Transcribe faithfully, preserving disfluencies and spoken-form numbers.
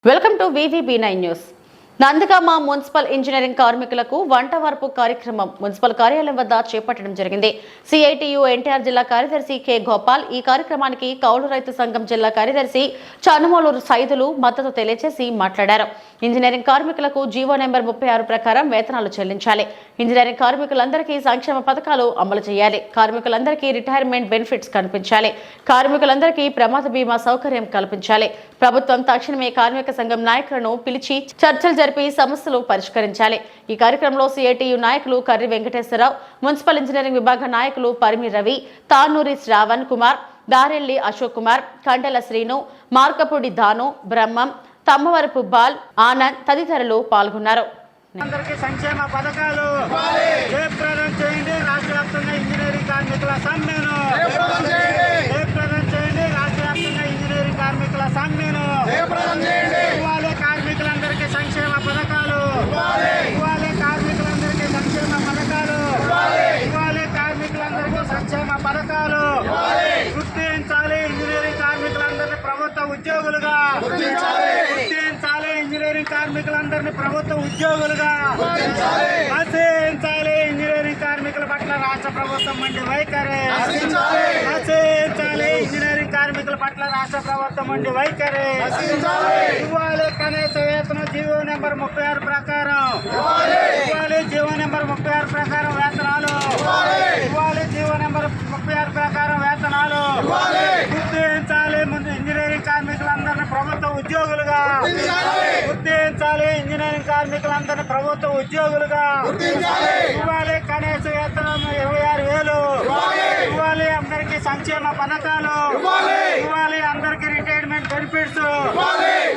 Welcome to VVB nine news. Nandigama municipal engineering కార్మికులకు వంట వార్పు కార్యక్రమం మున్సిపల్ కార్యాలయం వద్ద చేపట్టడం జరిగింది. సిఐటియు ఎన్టీఆర్ జిల్లా కార్యదర్శి కె గోపాల్ ఈ కార్యక్రమానికి కౌలు రైతు సంఘం జిల్లా కార్యదర్శి చనుమూలూరు సైదులు మద్దతు తెలియజేసి మాట్లాడారు. ఇంజనీరింగ్ కార్మికులకు జీవో నెంబర్ ముప్పై ఆరు ప్రకారం వేతనాలు చెల్లించాలి. ఇంజనీరింగ్ కార్మికులందరికీ సంక్షేమ పథకాలు అమలు చేయాలి. కార్మికులందరికీ రిటైర్మెంట్ బెనిఫిట్స్ కల్పించాలి. కార్మికులందరికీ ప్రమాద బీమా సౌకర్యం కల్పించాలి. ప్రభుత్వం తక్షణమే కార్మిక సంఘం నాయకులను పిలిచి చర్చలు జరిపి సమస్యలు పరిష్కరించాలి. ఈ కార్యక్రమంలో సిఐటియు నాయకులు కర్రి వెంకటేశ్వరరావు, మున్సిపల్ ఇంజనీరింగ్ విభాగ నాయకులు పరిమి రవి, తానూరి శ్రావణ్ కుమార్, దారెల్లి అశోక్ కుమార్, కండల శ్రీను, మార్కపూడి దాను, బ్రహ్మం, తమ్మవరపు బాల్, ఆనంద్ తదితరులు పాల్గొన్నారు. అందరికీ సంక్షేమ పథకాలు జయప్రదం చేయండి. రాష్ట్ర వ్యాప్తంగా ఇంజనీరింగ్ కార్మికుల సమ్మెను జయప్రదం చేయండి. రాష్ట్ర వ్యాప్తంగా ఇంజనీరింగ్ కార్మికుల సమ్మెను ఇవ్వాలి. కార్మికులందరికీ సంక్షేమ పథకాలు ఇవ్వాలి. కార్మికులందరికీ సంక్షేమ పథకాలు ఇవ్వాలి. కార్మికులందరికీ సంక్షేమ పథకాలు గుర్తించాలి. ఇంజనీరింగ్ కార్మికులందరినీ ప్రభుత్వ ఉద్యోగులుగా గుర్తించాలి. ఇంజనీరింగ్ కార్మికులందరినీ ప్రభుత్వ ఉద్యోగులుగా ఆశించాలి. ఇంజనీరింగ్ కార్మికుల పట్ల రాష్ట్ర ప్రభుత్వం మండి వైఖరి ఆశించాలి. ఇంజనీరింగ్ కార్మికుల పట్ల రాష్ట్ర ప్రభుత్వం మండి వైఖరి ఇవ్వాలి. కనీస వేతనం జీవో నెంబర్ ముప్పై ఆరు ప్రకారం ఇవ్వాలి. జీవో నెంబర్ ముప్పై ఆరు ప్రకారం వేతనాలు ఇవ్వాలి. జీవో నెంబర్ ముప్పై ఆరు ప్రకారం వేతనాలు గుర్తించాలి. ముందు ఇంజనీరింగ్ కార్మికులందరినీ ప్రభుత్వ ఉద్యోగులుగా గుర్తించాలి. ఇంజనీరింగ్ కార్మికులందరినీ ప్రభుత్వ ఉద్యోగులుగా ఇవ్వాలి. కనీస వేతనం ఇరవై ఆరు వేలు ఇవ్వాలి. అందరికీ సంక్షేమ పథకాలు ఇవ్వాలి. అందరికీ రిటైర్మెంట్ బెనిఫిట్స్